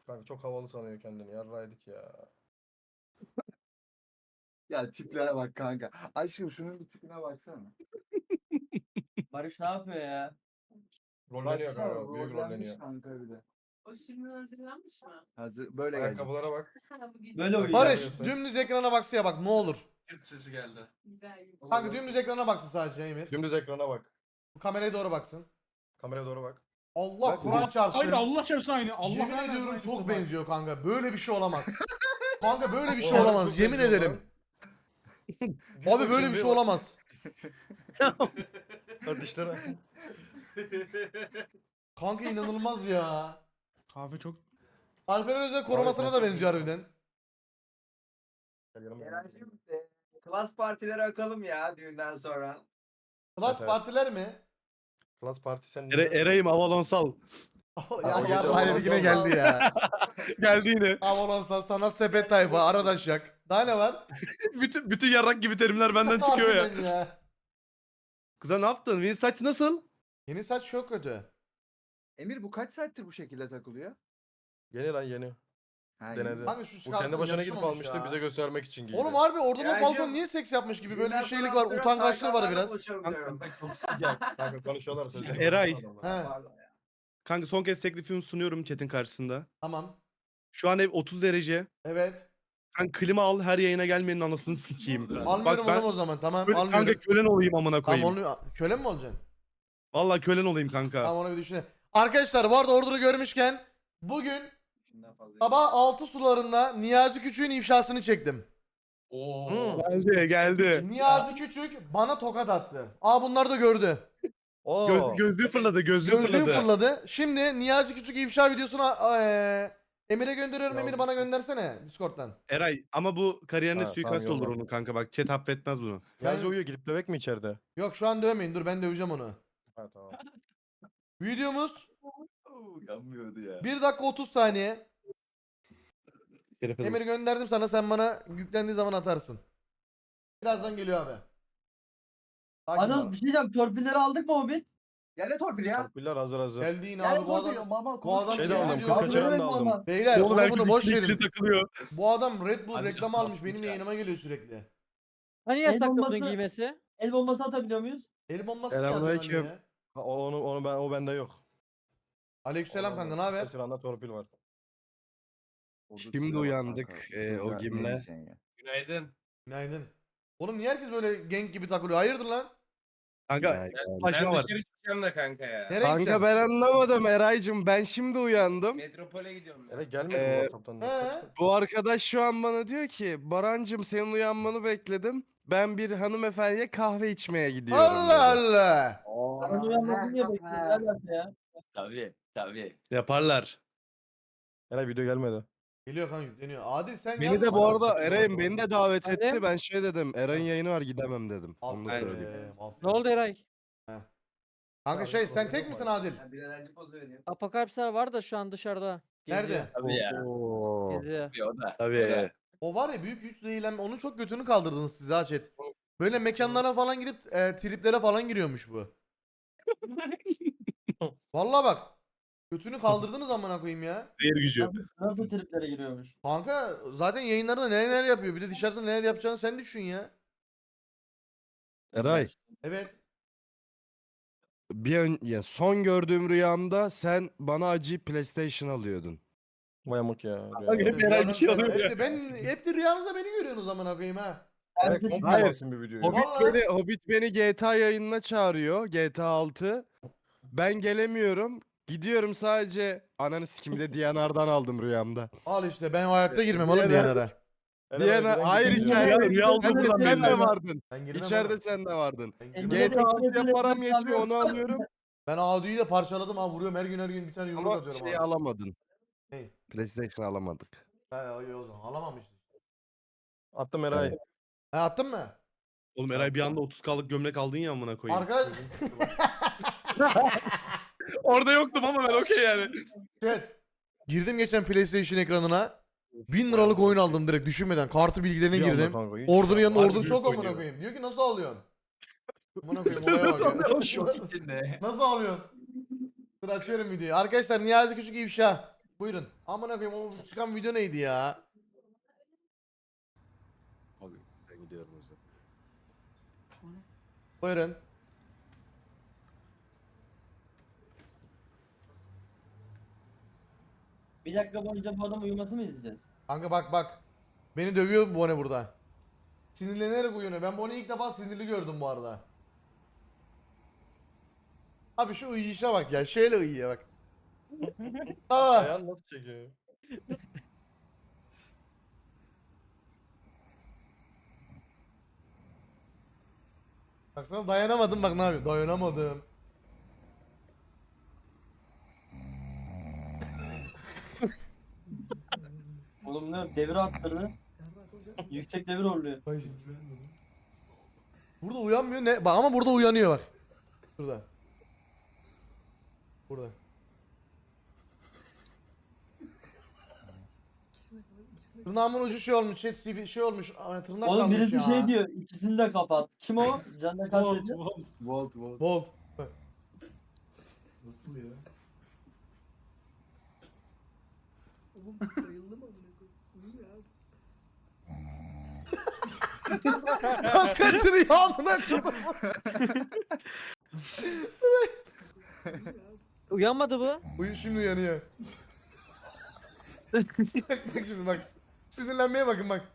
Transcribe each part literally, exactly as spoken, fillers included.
Kanka çok havalı sanıyor kendini. Yarraydık ya. Ya tiplere bak kanka. Aşkım şunun bir tipine baksana. Barış ne yapıyor ya? Rolleniyor Baksana kanka. Büyük rollenmiş rolleniyor. kanka bir de. O şimdi hazırlanmış mı? Hazır böyle gelecek. Ayakkabılara bak. Ha, bu gece. Böyle uyuyor. Barış Görüyorsun. dümdüz ekrana baksa bak ne olur. Çırt sesi geldi. Güzel gibi. Kanka dümdüz ekrana baksın sadece Emir. Dümdüz ekrana bak. Bu kameraya doğru baksın. Kameraya doğru bak. Allah Bak, Kur'an çarpsın. Hayır Allah çarpsın aynı. Allah Yemin vermesin ediyorum aynısı çok bak. benziyor kanka. Böyle bir şey olamaz. Kanka böyle bir şey Oğlum, olamaz. çok Yemin benziyor ederim. lan. Abi böyle bir şey olamaz. Hadi dişlere. Kanka inanılmaz ya. Kahve çok... Alperen Özel korumasına da benziyor harbiden. Eren'cim e, klas partileri akalım ya düğünden sonra. Klas Evet. partiler mi? Klas parti sen Ere, Eray'ım Avalonsal. ya o ya gece Raylet olan yine olmaz. geldi ya. Geldi yine. Avalonsa sana sepet tayfa aradaş yak. Daha ne var? bütün bütün yarrak gibi terimler benden çıkıyor ya. Harbiden ya. Kuzen ne yaptın? Benim saç nasıl? Yeni saç çok kötü. Emir bu kaç saattir bu şekilde takılıyor? Yeni lan yeni. Ha, Denedi. Kanka şu Bu çıkarsın kendi başına gidip yakışmamış almıştı ya. bize göstermek için giydi. Oğlum harbi Ordulu Ya Falcon canım, niye seks yapmış gibi böyle bir düğünden şeylik sonra var. oturup Utangaçlığı var Taycanlarla biraz. buluşalım diyorum. Çok sıcak. Kanka konuşuyorlar sözleri. Eray. He. Pardon ya. Kanka son kez teklifimi sunuyorum chat'in karşısında. Tamam. Şu an ev otuz derece. Evet. Kanka klima al her yayına gelmenin anasını sikeyim. Almıyorum Bak ben oğlum o zaman tamam köle- almıyorum. kanka kölen olayım amına Tamam koyayım. onu köle mi olacaksın? Vallahi kölen olayım kanka. Tamam onu bir düşünelim. Arkadaşlar bu arada Ordu'yu görmüşken bugün Şimdiden fazla. sabah altı sularında Niyazi Küçük'ün ifşasını çektim. Oo. Geldi geldi. Niyazi Küçük bana tokat attı. Aa bunlar da gördü. Oo. Göz, gözlüğü fırladı gözlüğü, Gözlüğüm fırladı. fırladı. Şimdi Niyazi Küçük ifşa videosunu eee Emir'e gönderiyorum. Ya Emir bu- bana göndersene Discord'dan. Eray ama bu kariyerine Ha, suikast tamam, olur yolla. onun kanka bak chat affetmez bunu. Niyazi Ben- uyuyor gidip dövek mi içeride? Yok şu an dövmeyin. Dur ben döveceğim onu. Ha tamam. Videomuz Oo, yanmıyordu ya. bir dakika otuz saniye. Şerefe dur. Emir'i gönderdim sana. Sen bana yüklendiği zaman atarsın. Birazdan geliyor abi. Sakin Anıl ol. bir şey diyeceğim. Torpilleri aldık mı Hobbit? Gel de torpil ya. Torpiller hazır hazır. Geldi yine Gel abi bu torpil adam. ya. Mama bu adam Şey de yemin aldım, ediyorum- kız kaçıran da Abi, aldım. normal. Beyler Oğlum onu herkes bunu boş ikili ikili verin. takılıyor. Bu adam Red Bull Hadi reklamı almış. yapma Benim ya. yayınıma geliyor sürekli. Hani El yasak bombası- bunun giymesi? El bombası atabiliyor muyuz? El bombası mı Selamünaleyküm. yazıyor ya? Ha, o- onu onu ben o bende yok. Aleykümselam kanka ne haber? Kaçıranda torpil var. Şimdi uyandık, e, o gimle. Günaydın. Günaydın. Oğlum niye herkes böyle genk gibi takılıyor? Hayırdır lan? Kanka Ben başıma var. dışarı çıkacağım da kanka ya. Nereye gideceksin? Kanka ben anlamadım Eray'cım ben şimdi uyandım. Metropole gidiyorum ben. Evet gelmedi Ee, mi WhatsApp'tan? he. Kaçtı? Bu arkadaş şu an bana diyor ki Barancım senin uyanmanı bekledim. Ben bir hanımefendiye kahve içmeye gidiyorum. Allah dedi. Allah. Ben uyanmadım diye bekliyorum. Ne alaka ya? Tabii tabii. Yaparlar. Eray video gelmedi. Geliyor kanka yükleniyor. Adil sen Beni de bu arada Eray'ım beni de davet Hadi. etti. Ben şey dedim Eray'ın yayını var gidemem dedim. Onu da Aferin, söyleyeyim. aferin. Ne oldu Eray? Kanka şey sen tek misin Adil? Ben bir öğrenci pozu vereyim. Apokalipsler var da şu an dışarıda. Nerede? Tabii ya. Oo. Geziyor. Tabii o da. Tabii. O var ya büyük güç zehirlenme. Onun çok götünü kaldırdınız siz ha chat. Böyle mekanlara falan gidip e, triplere falan giriyormuş bu. Vallahi bak. Götünü kaldırdınız amına koyayım ya. Zehir gücü. Nasıl, nasıl triplere giriyormuş? Kanka zaten yayınlarda neler neler yapıyor. Bir de dışarıda neler yapacağını sen düşün ya. Eray. Evet. Bir ön, ya son gördüğüm rüyamda sen bana acıyıp PlayStation alıyordun. Vay amık ya. Hep Eray bir şey Rüyanız- alıyor hep ya. de ben hep de rüyanızda beni görüyorsunuz amına koyayım ha. Evet, Ertesi- komple Hayır. baksın bir videoyu. Hobbit Vallahi. beni, Hobbit beni G T A yayınına çağırıyor. G T A altı. Ben gelemiyorum. Gidiyorum sadece ananı sikimde D N R'dan aldım rüyamda. Al işte ben hayatta girmem oğlum Diğer- D N R'a. Eray, D N R Eray, hayır Eray, içeride. Rüya- rüya Sen de, olduğundan sen de belli. vardın. Ben girmem İçeride oğlum. sen de vardın. Ben Elinde girmem. G T A altıya Elinde- param Elinde- yetiyor onu alıyorum. Ben Adu'yu da parçaladım ha vuruyorum her gün her gün bir tane yumruk Ama atıyorum şeyi abi. alamadın. Ney? PlayStation alamadık. Ha iyi o zaman alamamıştım. Attım Eray. Evet. Ha attın mı? Oğlum Eray bir anda otuz K'lık gömlek aldın ya amına koyayım. Arkadaş Orada yoktum ama ben okey yani. chat. Girdim geçen PlayStation ekranına. bin liralık oyun aldım direkt düşünmeden. Kartı bilgilerine Bir anda girdim. kanka, hiç- Ordunun yanında Harbi ordu büyük şok amına oynuyor. koyayım. Diyor ki nasıl alıyorsun? Amına koyayım olaya bak ya. Şok içinde. Nasıl alıyorsun? Dur açıyorum videoyu. Arkadaşlar Niyazi Küçük ifşa. Buyurun. Amına koyayım o çıkan video neydi ya? Abi ben gidiyorum o yüzden. Buyurun. Bir dakika boyunca bu adam uyuması mı izleyeceğiz? Kanka bak bak. Beni dövüyor Bone burada. Sinirlenerek uyanıyor. Ben Bone'yi ilk defa sinirli gördüm bu arada. Abi şu uyuyuşa bak ya. Şöyle uyuyor bak. Aa. Ayağını nasıl çekiyor? Baksana dayanamadım bak ne yapıyor. Dayanamadım. Oğlum ne devir arttırdı. Yüksek devir horluyor. Ay, burada uyanmıyor ne? Bak ama burada uyanıyor bak. Burada. Burada. Tırnağımın ucu şey olmuş, şey, sivi- şey olmuş, aa, tırnak Oğlum kalmış birisi ya. şey diyor. İkisini de kapat. Kim o? Canla kastedici. Volt volt. Bolt. Nasıl ya? Oğlum bayıldım amına koyayım. Ya. Kas kaçırıyor amına koyayım. Uyanmadı bu. Uyu şimdi uyanıyor. bak, bak şimdi bak. Sinirlenmeye bakın bak.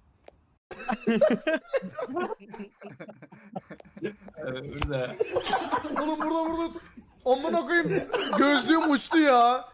Burada. Oğlum burada burada. Amına koyayım. Gözlüğüm uçtu ya.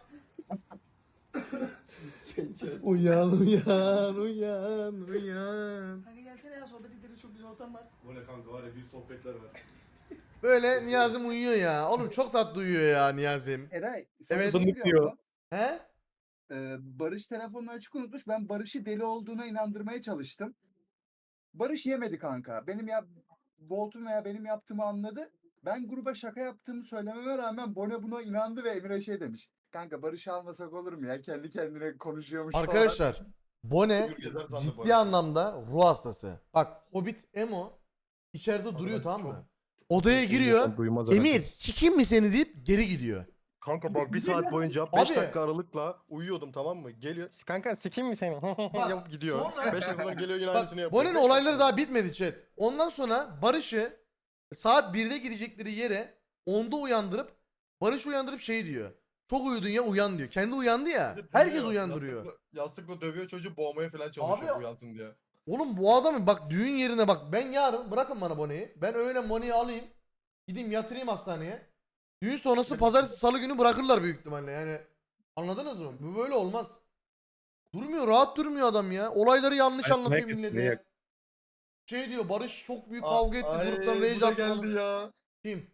uyan uyan uyan uyan. Kanka gelsene ya sohbet ederiz çok güzel ortam var. Bu ne kanka var ya büyük sohbetler var. Böyle Niyazim uyuyor ya. Oğlum çok tatlı uyuyor ya Niyazim. Eray, Evet. Fındık diyor. He? Ee, Barış telefonunu açık unutmuş. Ben Barış'ı deli olduğuna inandırmaya çalıştım. Barış yemedi kanka. Benim ya Volt'un veya benim yaptığımı anladı. Ben gruba şaka yaptığımı söylememe rağmen Bone buna inandı ve Emir'e şey demiş. Kanka Barış'ı almasak olur mu ya? Kendi kendine konuşuyormuş falan. Arkadaşlar Bone Yürü gezer sandı ciddi Bone. anlamda ruh hastası. Bak Hobbit Emo içeride duruyor bak, tamam mı? çok- Odaya giriyor. İnsan duymaz herhalde. Emir sikeyim mi seni deyip geri gidiyor. Kanka bak bir saat boyunca beş Abi. dakika aralıkla uyuyordum tamam mı? Geliyor. Kanka sikeyim mi seni? Yapıp gidiyor. sonra- beş dakika sonra geliyor yine Bak aynısını yapıyor. Bone'nin Beş olayları dakika. daha bitmedi chat. Ondan sonra Barış'ı saat birde gidecekleri yere onda uyandırıp Barış uyandırıp şey diyor. Çok uyudun ya uyan diyor. Kendi uyandı ya. Bir de Herkes dövüyor, uyandırıyor. Yastıkla, yastıkla dövüyor çocuğu boğmaya falan çalışıyor Abi- uyansın diye. Oğlum bu adamın bak düğün yerine bak ben yarın bırakın bana Bone'yi. Ben öğle Mone'yi alayım. Gideyim yatırayım hastaneye. Düğün sonrası pazartesi salı günü bırakırlar büyük ihtimalle yani. Anladınız mı? Bu böyle olmaz. Durmuyor rahat durmuyor adam ya. Olayları yanlış anlatıyor millete. Şey diyor Barış çok büyük kavga etti Ay, gruptan bu rage da attı. geldi ya. Kim?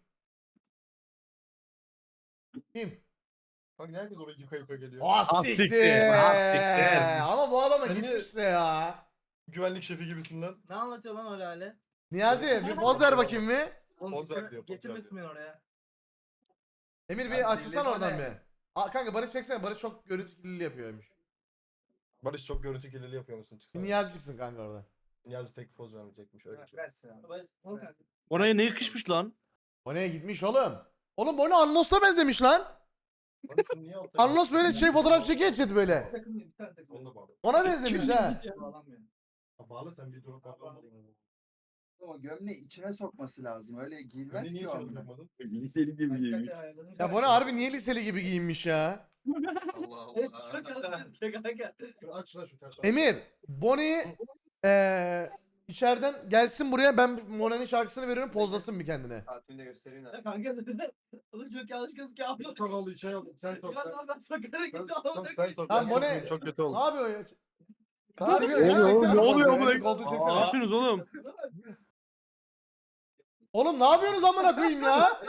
Kim? Bak herkes oraya yıka yıka geliyor. Ah siktir, siktir. ah siktir. Ama bu adama Sen gitmiş niye- işte ya. Güvenlik şefi gibisin lan. Ne anlatıyor lan o lale? Niyazi bir poz ver bakayım bir. Oğlum Poz ver getir- diyor, poz ver getirmesin beni oraya. Emir Abi bir açılsan deli oradan bana. bir. Aa, kanka Barış çeksene. Barış çok görüntü kirliliği yapıyormuş. Barış çok görüntü kirliliği yapıyor musun? Bir Çıksana. Niyazi çıksın kanka orada. Niyazi tek poz vermeyecekmiş öyle bir şey. Versin abi. Ol kanka. Oraya ne yakışmış lan? Bone'ye gitmiş oğlum. Oğlum Bone Anlos'ta benzemiş lan. Barış'ın niye altta- Anlos böyle şey fotoğraf çekiyor chat böyle. Takım değil, bir tane takım. Onu da bağlı. Ona benzemiş ha. Bağlanmıyor. Ha, bağlı sen bir durup bağlamadın. O gömleği içine sokması lazım. Öyle giyilmez Beni ki niye o içeri amına. bırakmadın? Liseli gibi Hakikaten yemiş. ayarladım. Ya Bone harbi niye liseli gibi giyinmiş ya? Allah Allah. Kanka. Dur, Aç lan şu ters. Emir, Bonnie'yi eee içeriden gelsin buraya ben Bone'nin şarkısını veriyorum pozlasın bir kendine. Tatilde göstereyim de. Kanka. Oğlum çok yanlış gözüküyor abi. Çok oldu şey oldu. Sen sok. Ya sen- lan ben sokarım Sen- git sen- amına sen koyayım. sok. Lan Ben bu ne? çok- Çok kötü Ne oldu. yapıyor ya? Ne Ne yapıyor ya? oluyor oğlum? Çeksene Ne koltuğu, oluyor önce amına- koltuğu Ne çeksene. yapıyorsunuz oğlum? Oğlum ne yapıyorsunuz amına koyayım ya?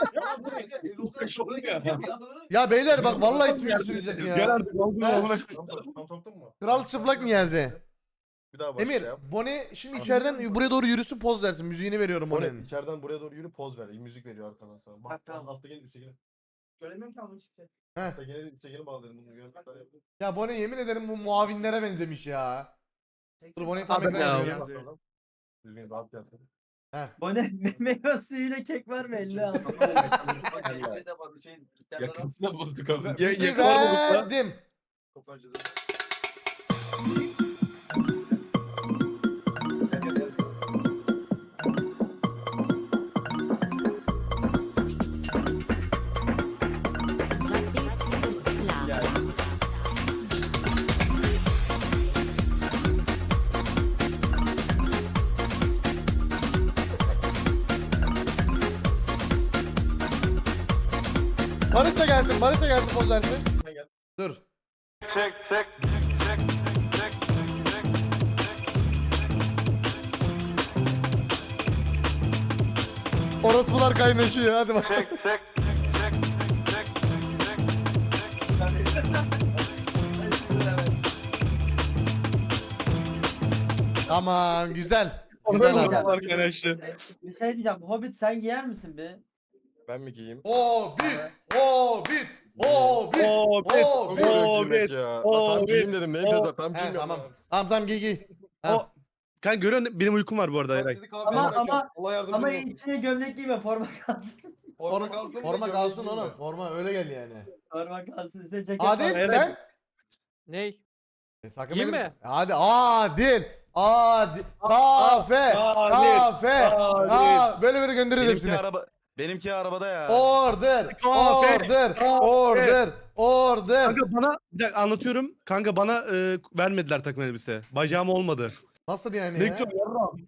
Ya beyler bak vallahi ismi düşürecek ya. artık oldu Ben- amına koyayım. Tam soktun mu? Kral çıplak Niyazi. Bir daha başla Emir, ya. Bonnie şimdi içeriden buraya doğru yürüsün poz versin. Müziğini veriyorum O ne? Bonnie'nin. İçeriden buraya doğru yürü poz ver. Müzik veriyor arkadan sana. Bak tamam. altta gelin üstte gelin. Göremiyorum ki almış bir şey. Altta gelin üstte gelin bağlayalım bunu. Gör. Ya Bonnie yemin ederim bu muavinlere benzemiş ya. Dur Bonnie'yi tam Abi ekrana ya. yazıyorum. Düzgün rahat yap. Bu ne? Meyve suyuyla kek var mı elli al. Yakasına bozduk abi. Müziği verdim. Barış da gelsin, Barış da gelsin poz versin. Dur. Orospular kaynaşıyor, hadi bak. Tamam, güzel. Güzel abi. Arkadaşlar. Bir şey diyeceğim. Hobbit sen giyer misin bir? Ben mi giyeyim? Hobbit, Hobbit, Hobbit, Hobbit, Hobbit. Hobbit, ya. o, Tam bir- giyeyim dedim. Neydi o- da tam He giymiyorum. tamam. ya. Tamam tamam giy giy. Ha. O- Kanka görüyor musun? Benim uykum var bu arada Eray. Ama ama Allah yardımcın ama olsun. içine gömlek giyme forma kalsın. Forma kalsın mı? Forma gömlek kalsın giyeyim oğlum. mi? Forma öyle gel yani. Forma kalsın üstüne ceket Adil var. Evet. sen? Ney? E, takım Giyeyim elbise- mi? Hadi Adil. Adil. Kafe. Adil, Kafe. Adil. Ha, böyle böyle göndeririz Benimki hepsini. araba benimki arabada ya. Order. Kafe. Order. Kafe. Order. Order. Kanka bana bir dakika anlatıyorum. Kanka bana e, vermediler takım elbise. Bacağım olmadı. Nasıl yani Ne ya? diyorsun yarram?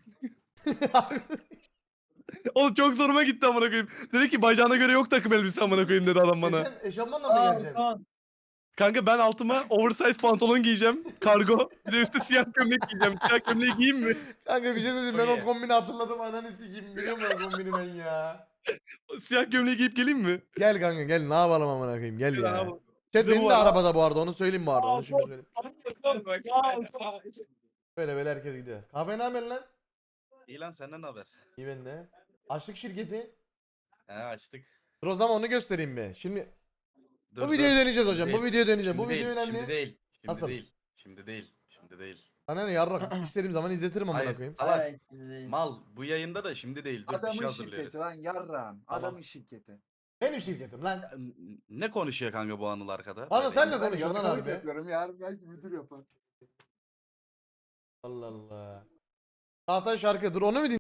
Oğlum çok zoruma gitti amına koyayım. Dedi ki bacağına göre yok takım elbise amına koyayım dedi adam E bana. sen eşofmanla mı Aa, geleceksin? Kaan. Kanka ben altıma oversize pantolon giyeceğim. Kargo. Bir de üstü siyah gömlek giyeceğim. Siyah gömleği giyeyim mi? Kanka bir şey söyleyeyim ben o Okey. kombini hatırladım ananı sikeyim biliyor musun o kombini ben ya. Siyah gömleği giyip geleyim mi? Gel kanka gel ne yapalım amına koyayım gel Gel ya. abi. Chat Bize benim bu de var ha. arabada bu arada onu söyleyeyim bu arada onu şimdi söyleyeyim. Böyle böyle herkes gidiyor. Kahve ne haber lan? İyi lan senden ne haber? İyi ben de. Açlık şirketi. He açtık. Dur o zaman onu göstereyim mi? Şimdi Dur, bu dur. videoyu deneyeceğiz hocam. Şimdi Bu değil, videoyu deneyeceğim. Bu şimdi video değil, önemli. Şimdi değil. Şimdi Nasıl? değil. Şimdi değil. Şimdi değil. Sana ne yarrak istediğim zaman izletirim amına Hayır. koyayım. Salak. Hayır, şimdi değil. Mal bu yayında da şimdi değil. Dur bir şey Adamın hazırlıyoruz. şirketi lan yarram. Adamın şirketi. Benim şirketim lan. N- Ne konuşuyor kanka bu anıl arkada? Anıl Böyle sen ne yayında? Ben konuşuyorsun lan yazıklık abi? yapıyorum. Yarın belki müdür yapar. Allah Allah. Çağatay şarkı dur onu mu